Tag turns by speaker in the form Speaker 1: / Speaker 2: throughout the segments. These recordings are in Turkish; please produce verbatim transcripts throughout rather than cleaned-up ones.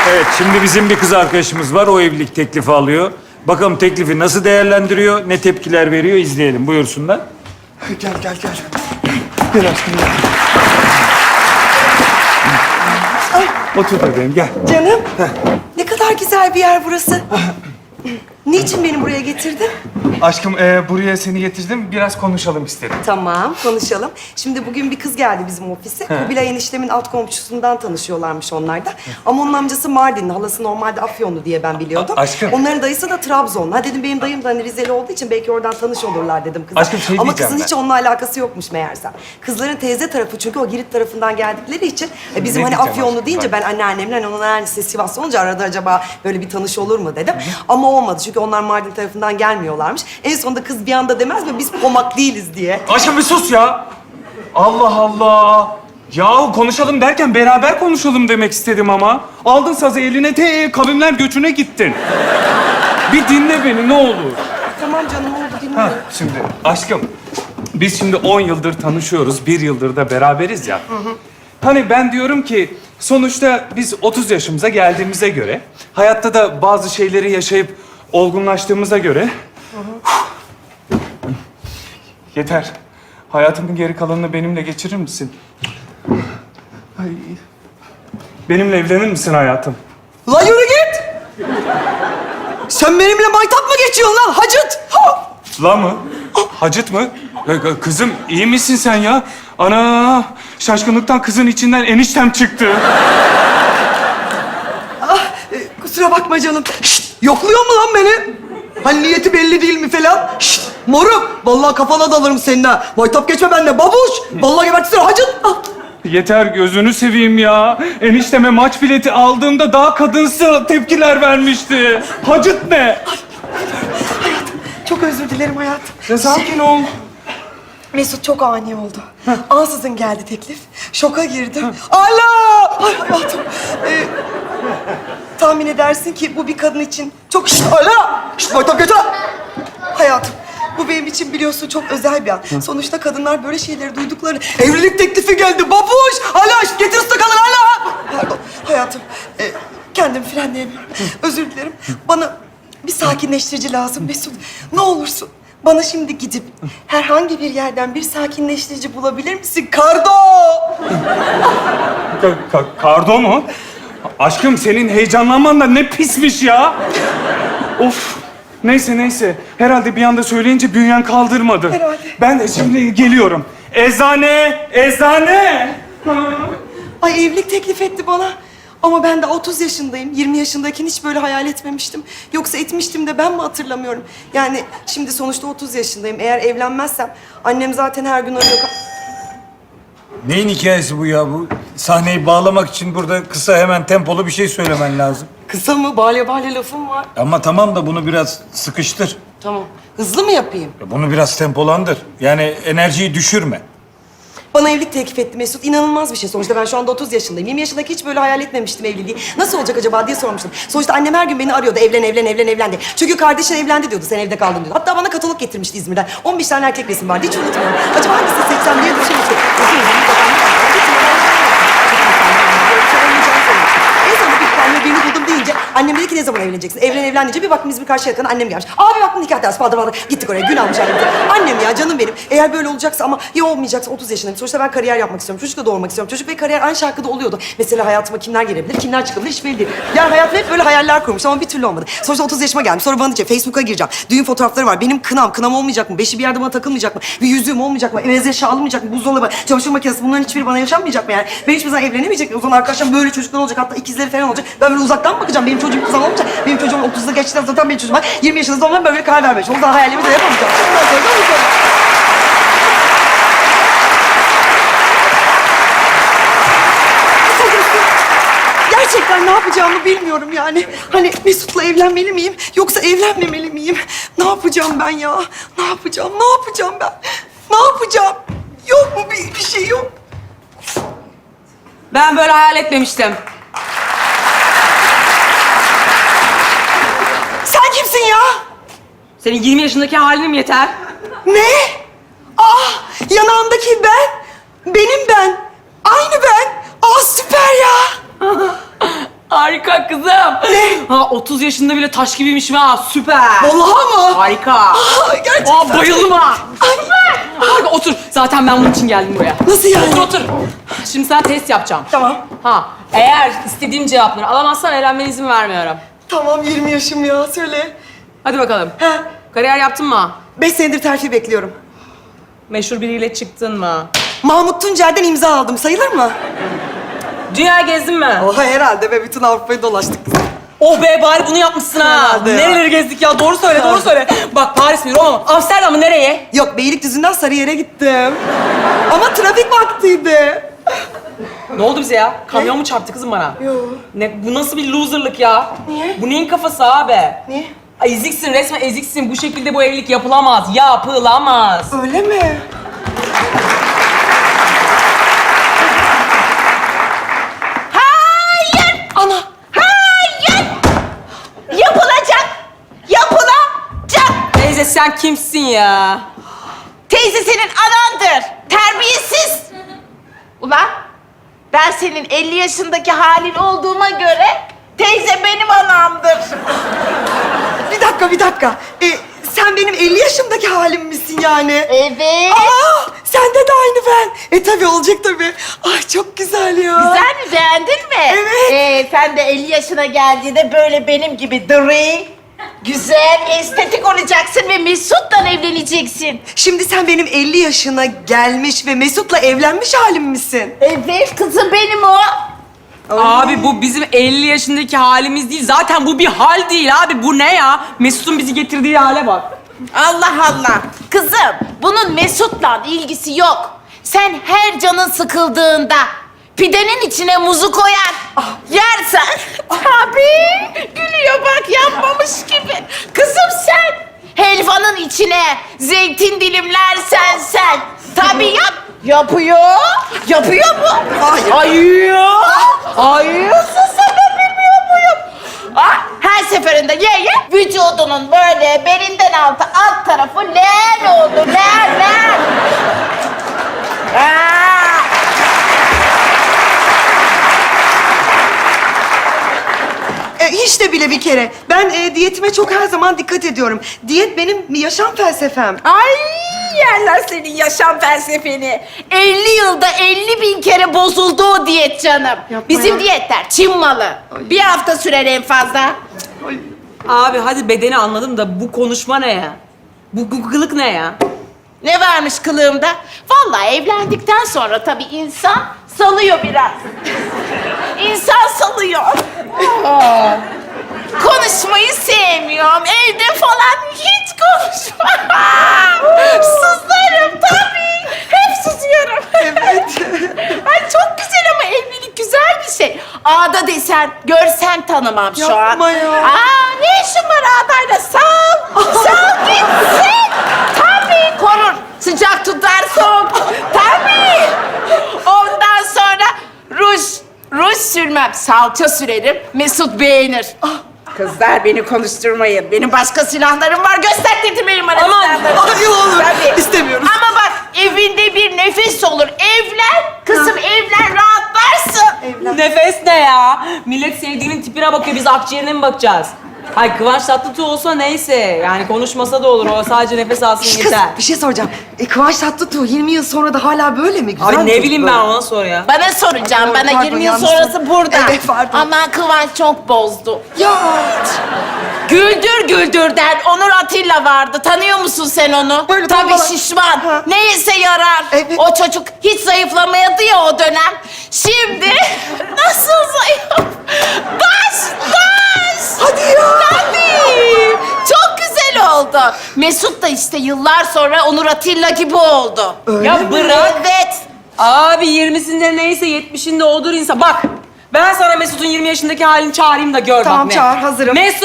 Speaker 1: Evet, şimdi bizim bir kız arkadaşımız var. O evlilik teklifi alıyor. Bakalım teklifi nasıl değerlendiriyor, ne tepkiler veriyor izleyelim. Buyursunlar.
Speaker 2: Gel, gel, gel. Gel aşkım, gel. Otur bebeğim, gel.
Speaker 3: Canım, ne kadar güzel bir yer burası. Niçin beni buraya getirdin?
Speaker 2: Aşkım, e, buraya seni getirdim. Biraz konuşalım istedim.
Speaker 3: Tamam, konuşalım. Şimdi bugün bir kız geldi bizim ofise. Kubilay eniştemin alt komşusundan tanışıyorlarmış onlar da. Ama onun amcası Mardinli, halası normalde Afyonlu diye ben biliyordum.
Speaker 2: A- aşkım.
Speaker 3: Onların dayısı da Trabzonlu. Ha dedim benim dayım da hani Rizeli olduğu için belki oradan tanış olurlar dedim kıza.
Speaker 2: Aşkım, şey
Speaker 3: Ama
Speaker 2: diyeceğim
Speaker 3: kızın
Speaker 2: ben.
Speaker 3: hiç onunla alakası yokmuş meğersem. Kızların teyze tarafı çünkü o Girit tarafından geldikleri için e, bizim
Speaker 2: Ne
Speaker 3: hani
Speaker 2: diyeceğim
Speaker 3: Afyonlu
Speaker 2: aşkım,
Speaker 3: deyince
Speaker 2: bak.
Speaker 3: ben anneannemle hani onun anneannesi Sivaslı olunca arada acaba böyle bir tanış olur mu dedim. Ama olmadı çünkü onlar Mardin tarafından gelmiyorlarmış. En sonunda kız bir anda demez mi biz pomak değiliz diye.
Speaker 2: Aşkım bir sus ya. Allah Allah. Yahu konuşalım derken beraber konuşalım demek istedim ama. Aldın sazı eline te kavimler göçüne gittin. Bir dinle beni ne olur.
Speaker 3: Tamam canım oldu
Speaker 2: Ha,
Speaker 3: dinliyorum.
Speaker 2: şimdi aşkım, biz şimdi on yıldır tanışıyoruz, bir yıldır da beraberiz ya. Hani ben diyorum ki, sonuçta biz otuz yaşımıza geldiğimize göre, hayatta da bazı şeyleri yaşayıp olgunlaştığımıza göre... Yeter. Hayatımın geri kalanını benimle geçirir misin? Ay. Benimle evlenir misin hayatım?
Speaker 3: La yürü git! Sen benimle maytap mı geçiyorsun lan hacıt? Ha!
Speaker 2: La mı? Hacıt mı? Ya, kızım iyi misin sen ya? Ana şaşkınlıktan kızın içinden eniştem çıktı.
Speaker 3: Ah, e, kusura bakma canım. Şşt, yokluyor mu lan beni? Hani niyeti belli değil mi falan? Şşt, moruk. Vallahi kafana dalarım senin ha. Maytap geçme benimle babuş. Vallahi gebertirsene hacıt. Ah.
Speaker 2: Yeter gözünü seveyim ya. Enişteme maç bileti aldığımda daha kadınsı tepkiler vermişti. Hacıt ne?
Speaker 3: Çok özür dilerim hayatım.
Speaker 2: Ya sakin ol.
Speaker 3: Mesut çok ani oldu. Ansızın geldi teklif. Şoka girdim. Allah! Ay hayatım. Ee, tahmin edersin ki bu bir kadın için çok... Şşt! Allah! Şşt! Maytap geçme! Hayatım, bu benim için biliyorsun çok özel bir an. Sonuçta kadınlar böyle şeyleri duyduklarını... Evlilik teklifi geldi babuş! Allah! Şşt! Getir ıstakalı Allah! Pardon hayatım. Ee, kendimi frenleyemiyorum. Özür dilerim. Bana bir sakinleştirici lazım Mesut. Ne olursun. Bana şimdi gidip herhangi bir yerden bir sakinleştirici bulabilir misin? Kardo!
Speaker 2: Ka- ka- kardo mu? Aşkım senin heyecanlanman da ne pismiş ya. Of. Neyse neyse. Herhalde bir anda söyleyince bünyen kaldırmadı.
Speaker 3: Herhalde.
Speaker 2: Ben de şimdi geliyorum. Eczane! Eczane!
Speaker 3: Ay evlilik teklif etti bana. Ama ben de otuz yaşındayım. yirmi yaşındayken hiç böyle hayal etmemiştim. Yoksa etmiştim de ben mi hatırlamıyorum? Yani şimdi sonuçta otuz yaşındayım. Eğer evlenmezsem annem zaten her gün arıyor.
Speaker 1: Neyin hikayesi bu ya? Bu sahneyi bağlamak için burada kısa hemen tempolu bir şey söylemen lazım.
Speaker 3: Kısa mı? Balya balya lafım var.
Speaker 1: Ama tamam da bunu biraz sıkıştır.
Speaker 3: Tamam. Hızlı mı yapayım?
Speaker 1: Bunu biraz tempolandır. Yani enerjiyi düşürme.
Speaker 3: Bana evlilik teklif etti Mesut. İnanılmaz bir şey. Sonuçta ben şu anda otuz yaşındayım. yirmi yaşındaki hiç böyle hayal etmemiştim evliliği. Nasıl olacak acaba diye sormuştum. Sonuçta annem her gün beni arıyordu. Evlen, evlen, evlen, evlen diye. Çünkü kardeşin evlendi diyordu. Sen evde kaldın diyordu. Hatta bana katalog getirmişti İzmir'den. on beş tane erkek resim vardı. Hiç unutmuyorum. Acaba hangisini seçsem diye düşünmüştüm. En sonunda bir tane birini buldum deyince annem dedi ki ne zaman evleneceksin? Evlen evlen deyince bir baktım İzmir karşı yakın annem gelmiş. Abi baktım nikah dersi falan falan. Gittik oraya gün almış annem. Annem ya canım benim. Eğer böyle olacaksa ama ya olmayacaksa otuz yaşındayım. Sonuçta ben kariyer yapmak istiyorum. Çocuk da doğurmak istiyorum. Çocuk ve kariyer aynı şarkıda oluyordu. Mesela hayatıma kimler gelebilir, kimler çıkabilir hiç belli değil. Yani hayatımda hep böyle hayaller kurmuş ama bir türlü olmadı. Sonuçta otuz yaşıma geldim. Sonra bana diyecek Facebook'a gireceğim. Düğün fotoğrafları var. Benim kınam, kınam olmayacak mı? Beşi bir yerde bana takılmayacak mı? Bir yüzüğüm olmayacak mı? Eveze eşya alınmayacak mı? Buzdolabı, çamaşır makinesi bunların hiçbiri bana yaşanmayacak mı yani? Ben hiçbir zaman evlenemeyecek miyim? O zaman arkadaşlarım böyle çocuklar olacak. Hatta ikizleri falan olacak. Ben böyle uzaktan mı bakacağım? Benim çocuğum kızım olmayacak. Benim çocuğum otuzda geçtikten zaten benim çocuğum var. yirmi yaşında zaman böyle karar vermiş. O zaman hayallerimi de yapamayacağım. Ondan sonra da olacak. Gerçekten ne yapacağımı bilmiyorum yani. Hani Mesut'la evlenmeli miyim yoksa evlenmemeli miyim? Ne yapacağım ben ya? Ne yapacağım? Ne yapacağım ben? Ne yapacağım? Yok mu bir, bir şey yok?
Speaker 4: Ben böyle hayal etmemiştim.
Speaker 3: Sen kimsin ya?
Speaker 4: Senin yirmi yaşındaki halinim yeter.
Speaker 3: Ne? Ah, yanağındaki ben. Benim ben. Aynı ben. Aa süper ya.
Speaker 4: Harika kızım. Ne? Ha otuz yaşında bile taş gibiymiş ha. Süper.
Speaker 3: Vallahi mı?
Speaker 4: Harika.
Speaker 3: Aa, gerçekten.
Speaker 4: Aa, bayıldım ha. Harika. Otur. Zaten ben bunun için geldim buraya.
Speaker 3: Nasıl yani?
Speaker 4: Otur otur. Şimdi sana test yapacağım.
Speaker 3: Tamam.
Speaker 4: Ha eğer istediğim cevapları alamazsan evlenmene izin vermiyorum.
Speaker 3: Tamam yirmi yaşım ya söyle.
Speaker 4: Hadi bakalım.
Speaker 3: He.
Speaker 4: Kariyer yaptın mı?
Speaker 3: Beş senedir terfi bekliyorum.
Speaker 4: Meşhur biriyle çıktın mı?
Speaker 3: Mahmut Tuncer'den imza aldım. Sayılır mı?
Speaker 4: Dünya gezdin mi?
Speaker 3: Oha herhalde ve bütün Avrupa'yı dolaştık kızım.
Speaker 4: Oh be bari bunu yapmışsın ha.
Speaker 3: Herhalde ya.
Speaker 4: Nereleri gezdik ya? Doğru söyle, doğru söyle. Bak Paris mi, Roma mı? Amsterdam mı? Nereye?
Speaker 3: Yok Beylikdüzü'nden Sarıyer'e gittim. Ama trafik vaktiydi.
Speaker 4: Ne oldu bize ya? Kamyon mu çarptı kızım bana?
Speaker 3: Yok.
Speaker 4: Ne, bu nasıl bir loserlık ya?
Speaker 3: Niye?
Speaker 4: Bu neyin kafası abi?
Speaker 3: Niye?
Speaker 4: Ay, eziksin, resmen eziksin. Bu şekilde bu evlilik yapılamaz. Yapılamaz.
Speaker 3: Öyle mi?
Speaker 5: Hayır!
Speaker 3: Ana!
Speaker 5: Hayır! Yapılacak! Yapılacak!
Speaker 4: Teyze sen kimsin ya?
Speaker 5: Teyze senin anandır. Terbiyesiz. Ulan ben senin elli yaşındaki halin olduğuma göre teyze benim anamdır.
Speaker 3: Bir dakika, bir dakika. Ee, sen benim elli yaşımdaki halim misin yani?
Speaker 5: Evet.
Speaker 3: Aa! Sende de aynı ben. E tabii olacak tabii. Ay çok güzel ya.
Speaker 5: Güzel mi? Beğendin mi?
Speaker 3: Evet.
Speaker 5: Ee, sen de elli yaşına geldiğinde böyle benim gibi diri, güzel, estetik olacaksın ve Mesut'la evleneceksin.
Speaker 3: Şimdi sen benim elli yaşına gelmiş ve Mesut'la evlenmiş halim misin?
Speaker 5: Evet kızım benim o.
Speaker 4: Abi bu bizim elli yaşındaki halimiz değil. Zaten bu bir hal değil abi. Bu ne ya? Mesut'un bizi getirdiği hale bak.
Speaker 5: Allah Allah. Kızım, bunun Mesut'la ilgisi yok. Sen her canın sıkıldığında pidenin içine muzu koyar, yersen tabii gülüyor bak yapmamış gibi. Kızım sen helvanın içine zeytin dilimlersen sen tabii yap. Yapıyor. Yapıyor mu?
Speaker 3: Hayır.
Speaker 5: Hayır. Hayırsın sen de bilmiyor muyum? Ah, her seferinde ye ye vücudunun böyle belinden altı alt tarafı len oldu len len. Aa!
Speaker 3: E, hiç de bile bir kere. Ben e, diyetime çok her zaman dikkat ediyorum. Diyet benim yaşam felsefem.
Speaker 5: Ay yerler senin yaşam felsefeni. elli yılda elli bin kere bozuldu o diyet canım.
Speaker 3: Yapma
Speaker 5: Bizim
Speaker 3: ya.
Speaker 5: diyetler Çin malı. Bir hafta sürer en fazla.
Speaker 4: Abi hadi bedeni anladım da bu konuşma ne ya? Bu bu kılık ne ya?
Speaker 5: Ne varmış kılığımda? Vallahi evlendikten sonra tabii insan salıyor biraz. İnsan salıyor. Aa, konuşmayı sevmiyorum. Evde falan hiç konuşmam. Sızlarım tabii. Hep susuyorum.
Speaker 3: Evet.
Speaker 5: Ay çok güzel ama evlilik güzel bir şey. Ağda desen, görsen tanımam şu an.
Speaker 3: Yapma ya.
Speaker 5: Aa ne işin var ağdayla? Sal, sal gitsin. Tabii korur. Sıcak tutar soğuk. Tabii. Ondan sonra ruj, ruj sürmem. Salça sürerim. Mesut beğenir. Kızlar beni konuşturmayın. Benim başka silahlarım var. Gösterdirmeyin bana
Speaker 3: Aman,
Speaker 5: silahlarımı.
Speaker 3: ay, olur.
Speaker 5: Tabii.
Speaker 3: İstemiyoruz.
Speaker 5: Ama bak evinde bir nefes olur. Evlen. Kızım evlen rahatlarsın.
Speaker 3: Evlen.
Speaker 4: Nefes ne ya? Millet sevdiğinin tipine bakıyor. Biz akciğerine mi bakacağız? Hay Kıvanç Tatlıtuğ olsa neyse. Yani konuşmasa da olur. O sadece nefes alsın
Speaker 3: Şş, Kız
Speaker 4: yeter.
Speaker 3: bir şey soracağım. E, Kıvanç Tatlıtuğ yirmi yıl sonra da hala böyle mi? Güzel
Speaker 4: Abi
Speaker 3: mi
Speaker 4: ne
Speaker 3: çocuk
Speaker 4: bileyim
Speaker 3: böyle?
Speaker 4: ben ona sor ya.
Speaker 5: Bana soracağım.
Speaker 3: Pardon,
Speaker 5: Bana
Speaker 3: pardon,
Speaker 5: yirmi yıl
Speaker 3: yanlış
Speaker 5: sonrası
Speaker 3: sordum.
Speaker 5: burada.
Speaker 3: Evet, pardon.
Speaker 5: Aman Kıvanç çok bozdu.
Speaker 3: Ya.
Speaker 5: Güldür güldürden Onur Atilla vardı. Tanıyor musun sen onu?
Speaker 3: Böyle
Speaker 5: Tabii
Speaker 3: tombalak.
Speaker 5: şişman.
Speaker 3: Ha.
Speaker 5: Neyse yarar.
Speaker 3: Evet.
Speaker 5: O çocuk hiç zayıflamayadı ya o dönem. Şimdi nasıl zayıf? Baş baş.
Speaker 3: Hadi ya.
Speaker 5: Tabii. Çok güzel oldu. Mesut da işte yıllar sonra Onur Atilla gibi oldu.
Speaker 3: Öyle
Speaker 4: Ya
Speaker 3: mi?
Speaker 4: bırak.
Speaker 5: Evet.
Speaker 4: Abi yirmisinde neyse yetmişinde odur insan. Bak ben sana Mesut'un yirmi yaşındaki halini çağırayım da gör
Speaker 3: Tamam,
Speaker 4: bak ne.
Speaker 3: çağır, hazırım.
Speaker 4: Mesut!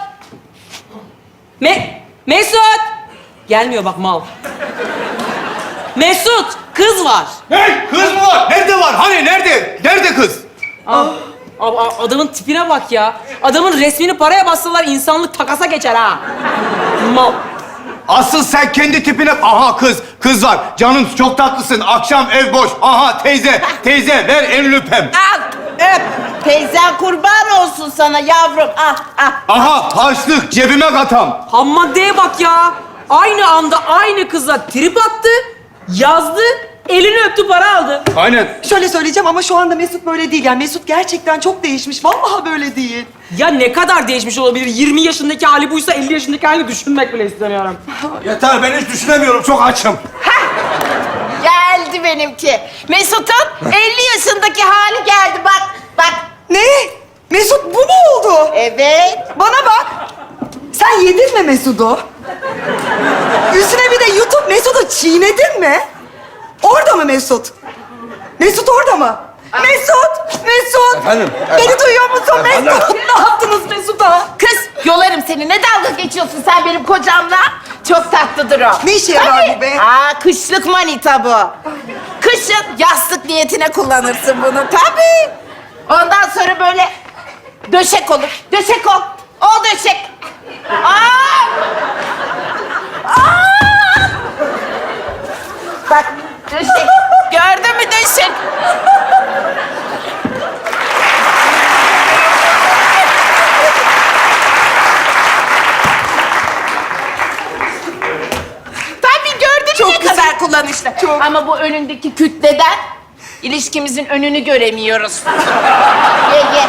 Speaker 4: Me Mesut! Gelmiyor bak mal. Mesut! Kız var.
Speaker 6: Hey, kız mı var? Nerede var? Hani nerede? Nerede kız?
Speaker 4: Aa, a- adamın tipine bak ya. Adamın resmini paraya bassalar insanlık takasa geçer ha. Mal.
Speaker 6: Asıl sen kendi tipine... Aha kız, kız var. Canım çok tatlısın. Akşam ev boş. Aha teyze, teyze ver elini öpem.
Speaker 5: Al. Öp. Teyzen kurban olsun sana yavrum. Ah ah.
Speaker 6: Aha harçlık cebime katam.
Speaker 4: Ham maddeye bak ya. Aynı anda aynı kıza trip attı, yazdı, elini öptü, para aldı.
Speaker 6: Aynen.
Speaker 3: Şöyle söyleyeceğim ama şu anda Mesut böyle değil. Yani Mesut gerçekten çok değişmiş. Vallahi böyle değil.
Speaker 4: Ya ne kadar değişmiş olabilir? yirmi yaşındaki hali buysa elli yaşındaki halini düşünmek bile istemiyorum.
Speaker 6: Yeter ben hiç düşünemiyorum çok açım.
Speaker 5: Geldi benimki. Mesut'un elli yaşındaki hali geldi bak. Bak.
Speaker 3: Ne? Mesut bu mu oldu?
Speaker 5: Evet.
Speaker 3: Bana bak. Sen yedin mi Mesut'u? Üstüne bir de YouTube Mesut'u çiğnedin mi? Orada mı Mesut? Mesut orada mı? Mesut! Mesut!
Speaker 6: Efendim?
Speaker 3: Beni duyuyor musun
Speaker 6: Efendim?
Speaker 3: Mesut? Ne yaptınız Mesut'a?
Speaker 5: Kız yolarım seni. Ne dalga geçiyorsun sen benim kocamla? Çok tatlıdır o.
Speaker 3: Ne işe yarar
Speaker 5: Tabii.
Speaker 3: bu be?
Speaker 5: Aa kışlık manita bu. Kışın yastık niyetine kullanırsın bunu tabii. Ondan sonra böyle döşek olur. Döşek ol. O döşek. Aa! Aa! Bak döşek. Gördün mü döşek? Tabii gördün mü
Speaker 3: Çok
Speaker 5: ne
Speaker 3: güzel.
Speaker 5: kadar kullanışlı.
Speaker 3: Çok.
Speaker 5: Ama bu önündeki kütleden ilişkimizin önünü göremiyoruz. Ye ye.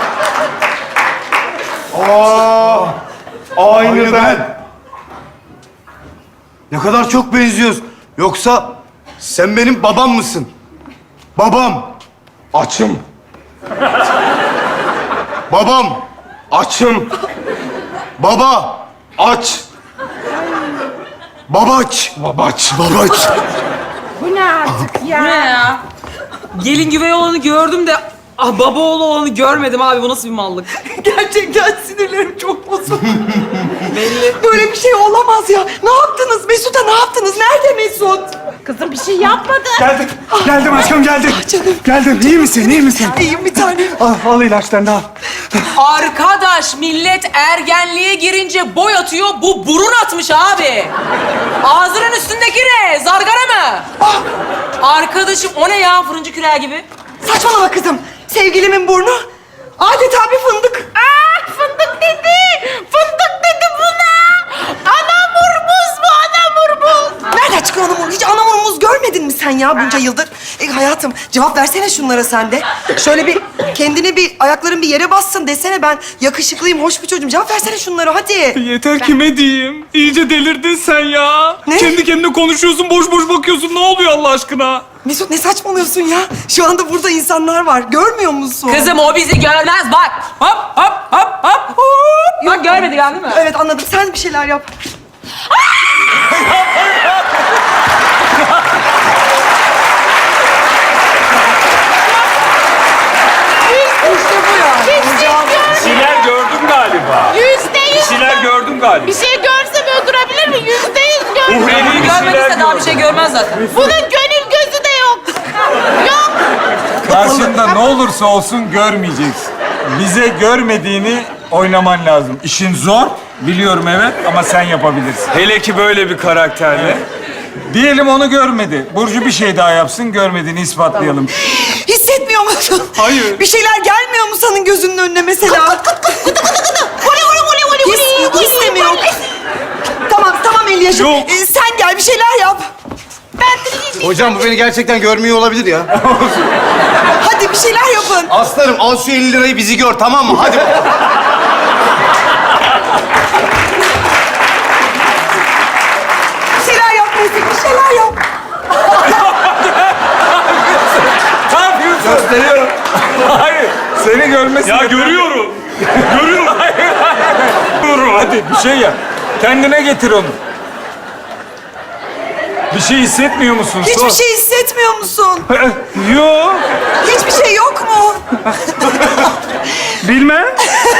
Speaker 6: Aa, aynı ben. Ne kadar çok benziyoruz. Yoksa sen benim babam mısın? Babam. Açım. Babam. Açım. Baba. Aç. Babaç. Babaç. Babaç.
Speaker 5: Bu ne artık ya?
Speaker 4: Ne ya? Gelin güvey olanı gördüm de ah, baba oğlu olanı görmedim abi. Bu nasıl bir mallık?
Speaker 3: Gerçekten sinirlerim çok bozuldu.
Speaker 4: Belli.
Speaker 3: Böyle bir şey olamaz ya. Ne yaptınız Mesut'a ne yaptınız? Nerede Mesut?
Speaker 5: Kızım bir şey yapmadı.
Speaker 6: Geldim. Geldim aşkım geldim.
Speaker 3: Canım.
Speaker 6: Geldim. İyi misin? İyi misin?
Speaker 3: İyiyim bir tanem.
Speaker 6: Al, al ilaçlarını al.
Speaker 4: Arkadaş millet ergenliğe girince boy atıyor. Bu burun atmış abi. Ağzının üstündeki ne? Zargara mı?
Speaker 3: Ah,
Speaker 4: Arkadaşım o ne ya? Fırıncı küreği gibi.
Speaker 3: saçmalama kızım. Sevgilimin burnu adeta bir fındık.
Speaker 5: Aa fındık dedi. Fındık dedi buna. Anamurmuz bu anamurmuz.
Speaker 3: Nereden çıkıyor anamur? Hiç anamurumuz görmedin mi sen ya bunca yıldır? E, hayatım cevap versene şunlara sen de. Şöyle bir kendini bir ayakların bir yere bassın desene ben yakışıklıyım, hoş bir çocuğum. Cevap versene şunlara hadi.
Speaker 2: Yeter kime diyeyim? İyice delirdin sen ya.
Speaker 3: Ne?
Speaker 2: Kendi kendine konuşuyorsun, boş boş bakıyorsun. Ne oluyor Allah aşkına?
Speaker 3: Mesut ne saçmalıyorsun ya? Şu anda burada insanlar var. Görmüyor musun?
Speaker 4: Kızım o bizi görmez bak. Hop hop hop hop. hop. Bak görmedi yani değil mi?
Speaker 3: Evet anladım. Sen bir şeyler yap. İşte bu ya.
Speaker 1: Bir şeyler gördüm galiba.
Speaker 5: Yüzde
Speaker 1: Bir
Speaker 5: yüz.
Speaker 1: şeyler gördüm galiba.
Speaker 5: Bir şey görsem öldürebilir mi? Yüzde yüz gör.
Speaker 1: Uhrevi
Speaker 4: Bunu
Speaker 1: bir şeyler
Speaker 4: görmediyse daha bir şey
Speaker 1: gördüm.
Speaker 4: görmez zaten.
Speaker 5: Bunun gönül gözü de yok. Yok.
Speaker 7: Karşında ne olursa olsun görmeyeceksin. Bize görmediğini oynaman lazım. İşin zor, biliyorum evet ama sen yapabilirsin.
Speaker 1: Hele ki böyle bir karakterle.
Speaker 7: Diyelim onu görmedi. Burcu bir şey daha yapsın, görmediğini ispatlayalım.
Speaker 3: Hissetmiyor musun?
Speaker 7: Hayır.
Speaker 3: Bir şeyler gelmiyor mu senin gözünün önüne mesela? His, his de mi yok? Tamam, tamam elli yaşım.
Speaker 7: Yok.
Speaker 3: Ee, sen gel bir şeyler yap.
Speaker 6: Hocam bu beni gerçekten görmüyor olabilir ya.
Speaker 3: Hadi bir şeyler yapın.
Speaker 6: Aslanım al şu elli lirayı bizi gör tamam mı? Hadi.
Speaker 3: Bir şeyler yap Mesut, bir şeyler yap.
Speaker 7: Ne yapıyorsun?
Speaker 6: Gösteriyorum.
Speaker 7: Hayır, seni görmesin.
Speaker 1: Ya görüyorum. Görüyorum.
Speaker 7: Hayır, hayır. Dur, hadi bir şey yap. Kendine getir onu. Bir şey hissetmiyor musun?
Speaker 3: Hiçbir
Speaker 7: Sor.
Speaker 3: şey hissetmiyor musun?
Speaker 7: Yok,
Speaker 3: Hiçbir şey yok mu?
Speaker 7: bilmem.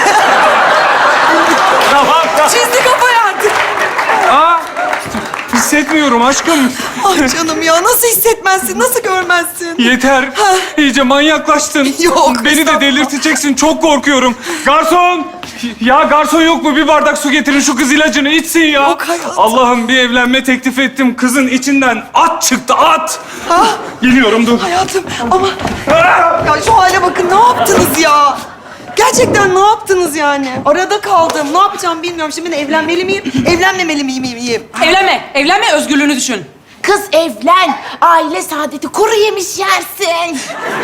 Speaker 7: tamam, tamam.
Speaker 3: Çizdi kafayı artık.
Speaker 7: Aa,
Speaker 2: hissetmiyorum aşkım.
Speaker 3: Ah canım ya, nasıl hissetmezsin, nasıl görmezsin?
Speaker 2: Yeter. İyice manyaklaştın.
Speaker 3: Yok,
Speaker 2: Beni de
Speaker 3: estağfurullah.
Speaker 2: delirteceksin. Çok korkuyorum. Garson! Ya garson yok mu? Bir bardak su getirin. Şu kız ilacını içsin ya.
Speaker 3: Yok hayatım.
Speaker 2: Allah'ım bir evlenme teklif ettim. Kızın içinden at çıktı at.
Speaker 3: Ah,
Speaker 2: Geliyorum dur.
Speaker 3: hayatım ama... Ya şu hale bakın, ne yaptınız ya? Gerçekten ne yaptınız yani? Arada kaldım. Ne yapacağım bilmiyorum. Şimdi ben evlenmeli miyim, evlenmemeli miyim? miyim?
Speaker 4: Evlenme, evlenme, özgürlüğünü düşün.
Speaker 5: Kız evlen. Aile saadeti kuru yemiş yersin.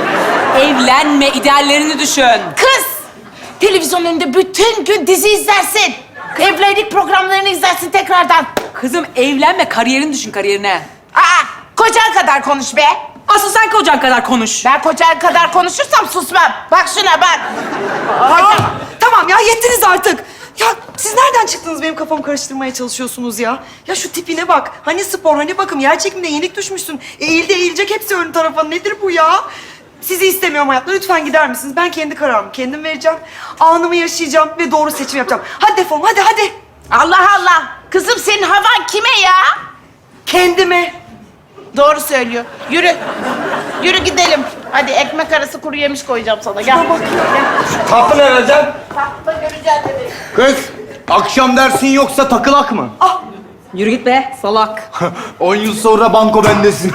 Speaker 4: Evlenme, ideallerini düşün.
Speaker 5: Kız televizyon önünde bütün gün dizi izlersin. Evlilik programlarını izlersin tekrardan.
Speaker 4: Kızım evlenme, kariyerini düşün, kariyerine.
Speaker 5: Aa, kocan kadar konuş be.
Speaker 4: Asıl sen kocan kadar konuş.
Speaker 5: Ben kocan kadar konuşursam susmam. Bak şuna bak.
Speaker 3: Aa, tamam ya, yettiniz artık. Ya siz nereden çıktınız, benim kafamı karıştırmaya çalışıyorsunuz ya? Ya şu tipine bak. Hani spor, hani bakım, yer çekimde yenik düşmüşsün. Eğildi eğilecek hepsi ön tarafa. Nedir bu ya? Sizi istemiyorum hayatta. Lütfen gider misiniz? Ben kendi kararımı kendim vereceğim. Anımı yaşayacağım ve doğru seçim yapacağım. Hadi defolun, hadi hadi.
Speaker 5: Allah Allah. Kızım senin havan kime ya?
Speaker 3: Kendime.
Speaker 5: Doğru söylüyor. Yürü. Yürü gidelim. Hadi ekmek arası kuru yemiş koyacağım sana. Gel.
Speaker 6: Kapı ne vereceğim?
Speaker 5: Tatlı göreceğiz dedi.
Speaker 6: Kız, akşam dersin yoksa takılak mı?
Speaker 4: Yürü git be, salak.
Speaker 6: On yıl sonra banko bendesin.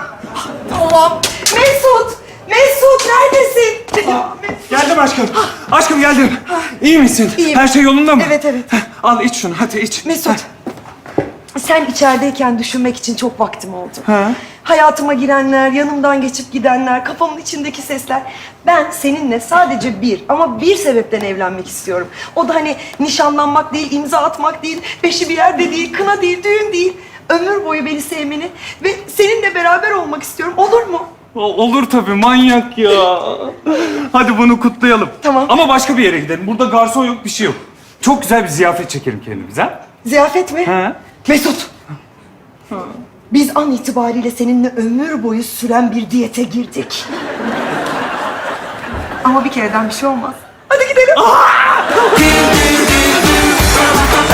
Speaker 3: Tamam. Mesut! Mesut neredesin? Ya, Mesut.
Speaker 2: Geldim aşkım. Aşkım geldim. İyi misin?
Speaker 3: İyiyim.
Speaker 2: Her şey yolunda mı?
Speaker 3: Evet, evet.
Speaker 2: Heh, al iç şunu hadi iç.
Speaker 3: Mesut. Sen içerideyken düşünmek için çok vaktim oldu.
Speaker 2: Ha?
Speaker 3: Hayatıma girenler, yanımdan geçip gidenler, kafamın içindeki sesler. Ben seninle sadece bir ama bir sebepten evlenmek istiyorum. O da hani nişanlanmak değil, imza atmak değil, beşi bir yerde değil, kına değil, düğün değil. Ömür boyu beni sevmeni ve seninle beraber olmak istiyorum. Olur mu?
Speaker 2: O- Olur tabii manyak ya. Hadi bunu kutlayalım.
Speaker 3: Tamam.
Speaker 2: Ama başka bir yere gidelim. Burada garson yok bir şey yok. Çok güzel bir ziyafet çekelim kendimize. Ha?
Speaker 3: Ziyafet mi?
Speaker 2: Ha?
Speaker 3: Mesut! Biz an itibariyle seninle ömür boyu süren bir diyete girdik. Ama bir kereden bir şey olmaz. Hadi gidelim.